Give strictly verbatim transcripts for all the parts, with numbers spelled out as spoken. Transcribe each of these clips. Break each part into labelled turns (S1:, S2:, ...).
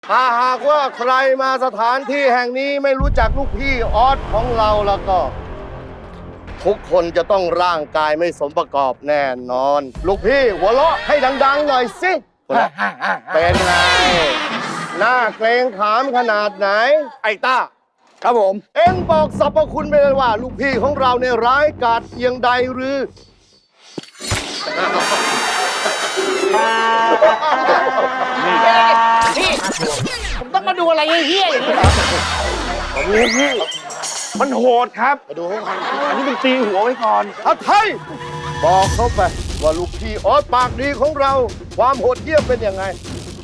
S1: ถ้าหากว่าใครมาสถานที่แห่งนี้ไม่รู้จักลูกพี่ออสของเราแล้วก็ ทุกคนจะต้องร่างกายไม่สมประกอบแน่นอน ลูกพี่หัวเราะให้ดังๆหน่อยสิเป็นไงหน้าเกรงขามขนาดไหนไอ้ต้าครับผมเอ็งบอกสรรพคุณไปเลยว่า ลูกพี่ของเราเนี่ยร้ายกาจเพียงใดหรือ
S2: พี่ผมต้องมาดูอะไรเฮี้ยๆอย่างนี้เหรอ
S3: นี่พี่มันโหดครับมาดูอันนี้เป็นตีหัวไว้ก่อน
S1: อาไทยบอกเขาไปว่าลูกพี่ออสปากดีของเรา ความโหดเหี้ยมเป็นยังไง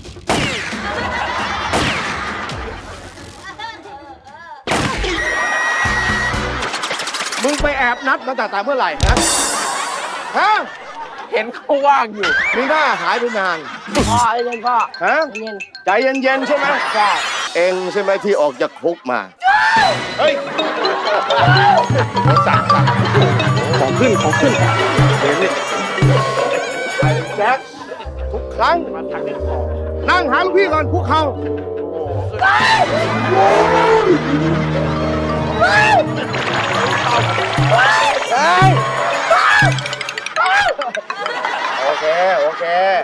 S1: มึงไปแอบนัดมาแต่แต่เมื่อไหร่นะฮะ
S3: เห็นเขาว่างอยู่
S1: มีหน้าหายไปนาน
S2: พ่อไอ้เล่นพ่อ
S1: ฮะ
S2: เย็น
S1: ใจเย็นๆใช่ไหมใช่เองใช่ไหมที่ออกจากคุกมาเฮ้ยสั่งสั่ง
S3: ของขึ้นของขึ้นเห็นนี่
S1: แจ็คทุกครั้ง
S3: มาทางนี้ของ
S1: นั่งหาลูกพี่ก่อนคุกเข่าโอเค โอเค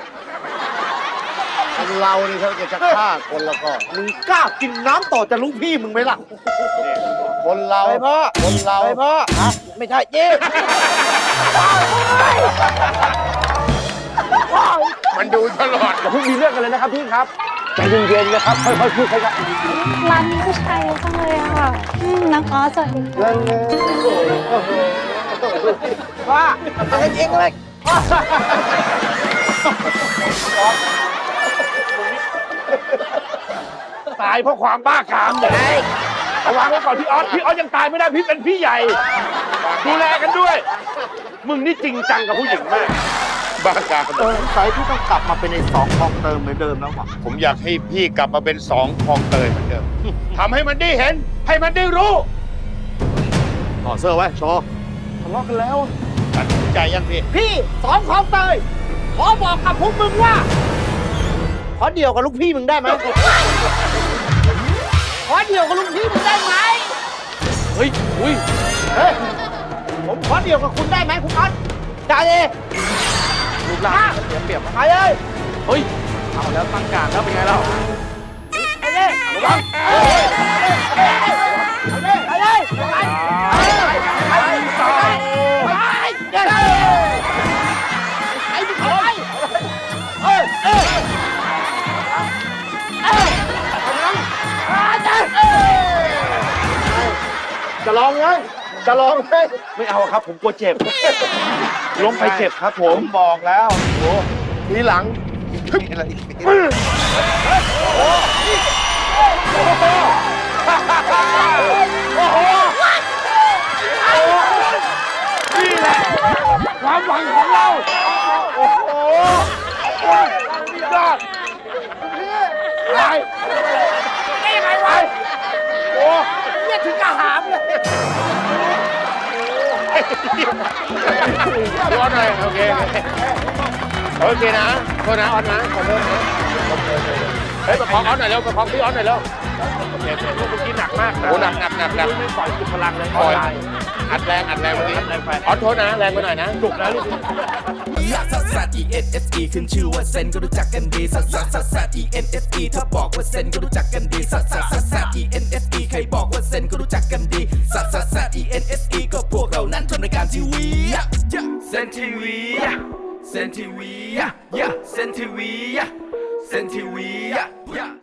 S1: คนเรานี่เขาจะฆ่าคนแล้วก็
S3: มึงกล้ากินน้ำต่อจากลูกพี่มึงไหมล่ะ
S1: คนเรา
S2: ไปพ่อ
S1: คนเรา
S2: ไปพ่อไม่ใช่เจ๊
S1: มันดูตลอด
S3: อย่าเพิ่งมีเรื่องกันเลยนะครับพี่ครับใจเย็นๆนะครับค่อยๆพูดค่อย
S4: ร้านนี้ผู้ชายเยอะจังเลยอะค่ะอืมน้องออสสวัสดีค่ะ
S1: นั่นไง
S2: พ่อเล่นเองเลย
S3: ๆตายเพราะความบ้ากามเนี่ยเอาวางไว้ก่อนพี่ออสพี่ออสยังตายไม่ได้พี่เป็นพี่ใหญ่ดูแลกันด้วย มึงนี่จริงจังกับผู้หญิงมาก
S1: บ้ากาม
S3: เออสายพี่ต้องกลับมาเป็นในสองคลองเติมเหมือนเดิมแล้วว่ะ
S1: ผมอยากให้พี่กลับมาเป็นสองคลองเตยเหมือนเดิมทำให้มันได้เห็น ให้มันได้รู้ต่อเสื้อไว้โชว์
S3: ทะเลาะกันแล้ว
S1: ตัดสินใจยังพี่
S2: พี่สองของเตยขอบอกกับพวกมึงว่า ขอเดี่ยวกับลูกพี่มึงได้ไหมขอเดี่ยวกับลูกพี่มึงได้ไหม
S3: เฮ้ยอุ้ย
S2: เฮ้ยผมขอเดี่ยวกับคุณได้ไหมคุณออสได้เลย
S3: รูปร่างเสียเปรียบ
S2: ไปเลย
S3: เฮ้ยเอาแล้วตั้งการแล้วเป็นไงแล้ว
S2: ไปเลยระวังไปเลยไปเลยไปเลยไปเลยไอ้พี่คอยเอ้ยเอ้ยเอ้ยจะ
S1: จะลองไงจะลองไหม
S3: ไม่เอาครับผมกลัวเจ็บล้มไปเจ็บครับผม
S1: บอกแล้วโอ้ทีหลังนี่แหละความหวังของเรา โอ้โหยอดไป
S2: ได้ยังไงวะ
S1: โอ้
S2: เนี่ยถึงกระหามเลย
S1: ยอดเลยโอเคโอเคนะโทษนะออนนะขอโทษนะเฮ้ยประคองออนหน่อยเร็วประคองพี่ออนหน่อยเร็ว
S3: เจ็บเมื่อกี้หนักมาก
S1: โอ้หนักหนักหนักหนัก
S3: ไม่ปล่อยสุดพลังเลย
S1: ปล่อยอัดแรงอัดแรงเมื่อกี้ออนโทษนะแรงไปหน่อยนะ
S3: จุกนะลูก
S5: ลักซัสซัส E N S E ขึ้นชื่อว่าเซนก็รู้จักกันดีซัสซัสซัสซัส E N S E ถ้าบอกว่าเซนก็รู้จักกันดีซัสซัสซัสซัส E N S E ใครบอกว่าเซนก็รู้จักกันดีซัสซัสซัส E N S E ก็พวกเรานั้นทำรายการทีวีเซนทีวีเซนทีวีเซนทีวีเซนทีวี